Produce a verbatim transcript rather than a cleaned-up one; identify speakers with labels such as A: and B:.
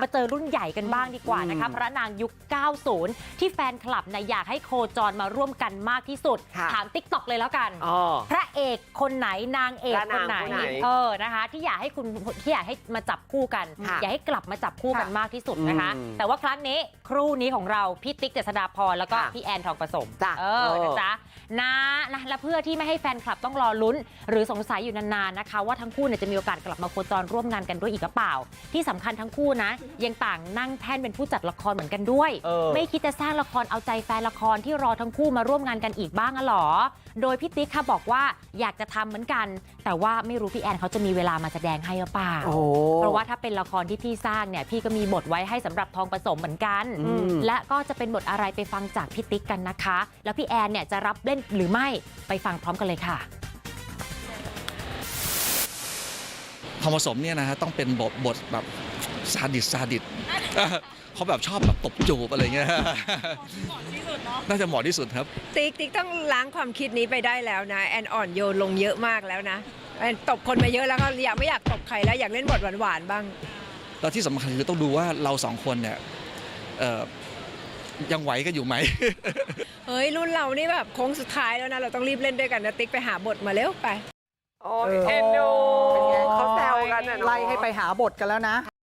A: มาเจอรุ่นใหญ่กันบ้างดีกว่านะคะพระนางยุค เก้าสิบ ที่แฟนคลับนะอยากให้โคจรมาร่วมกันมากที่สุดถาม ติ๊กต็อก เลยแล้วกันพระเอกคนไหนนางเอกคนไหนเออนะคะที่อยากให้คุณที่อยากให้มาจับคู่กันอยากให้กลับมาจับคู่กันมากที่สุดนะคะแต่ว่าครั้งนี้ครู่นี้ของเราพี่ติ๊กเจษฎาพรแล้วก็พี่แอนทองผสมเออนะจ๊ะนะนะและเพื่อที่ไม่ให้แฟนคลับต้องรอลุ้นหรือสงสัยอยู่นานๆนะคะว่าทั้งคู่เนี่ยจะมีโอกาสกลับมาโคจรร่วมงานกันด้วยอีกหรือเปล่าที่สำคัญทั้งคู่นะยังต่างนั่งแท่นเป็นผู้จัดละครเหมือนกันด้วยไม่คิดจะสร้างละครเอาใจแฟนละครที่รอทั้งคู่มาร่วมงานกันอีกบ้างอะหรอโดยพี่ติ๊กค่ะบอกว่าอยากจะทำเหมือนกันแต่ว่าไม่รู้พี่แอนเขาจะมีเวลามาแสดงให้หรือเปล่าเพราะว่าถ้าเป็นละครที่พี่สร้างเนี่ยพี่ก็มีบทไว้ให้สำหรับทองผสมเหมือนกันและก็จะเป็นบทอะไรไปฟังจากพี่ติ๊กกันนะคะแล้วพี่แอนเนี่ยจะรับเล่นหรือไม่ไปฟังพร้อมกันเลยค่ะ
B: ทองผสมเนี่ยนะฮะต้องเป็นบทบทแบบซาดิสซาดิสเขาแบบชอบแบบตบจูบอะไรเงี้ยน่าจะเหมาะที่สุดครับ
C: ติ๊กติ๊กต้องล้างความคิดนี้ไปได้แล้วนะแอนอ่อนโยนลงเยอะมากแล้วนะแอนตบคนมาเยอะแล้วก็อยากไม่อยากตบใครแล้วอยากเล่นบทหวานๆบ้าง
B: แล้วที่สำคัญคือต้องดูว่าเราสองคนเนี่ยยังไหวกันอยู่ไหม
C: เฮ้ยรุ่นเรานี่แบบโค้งสุดท้ายแล้วนะเราต้องรีบเล่นด้วยกันนะติ๊กไปหาบทมาเร็วไป
D: โอ้เอ็นดูเป็นไงเขาแซวกันไล่ให้ไปหาบทกันแล้วนะ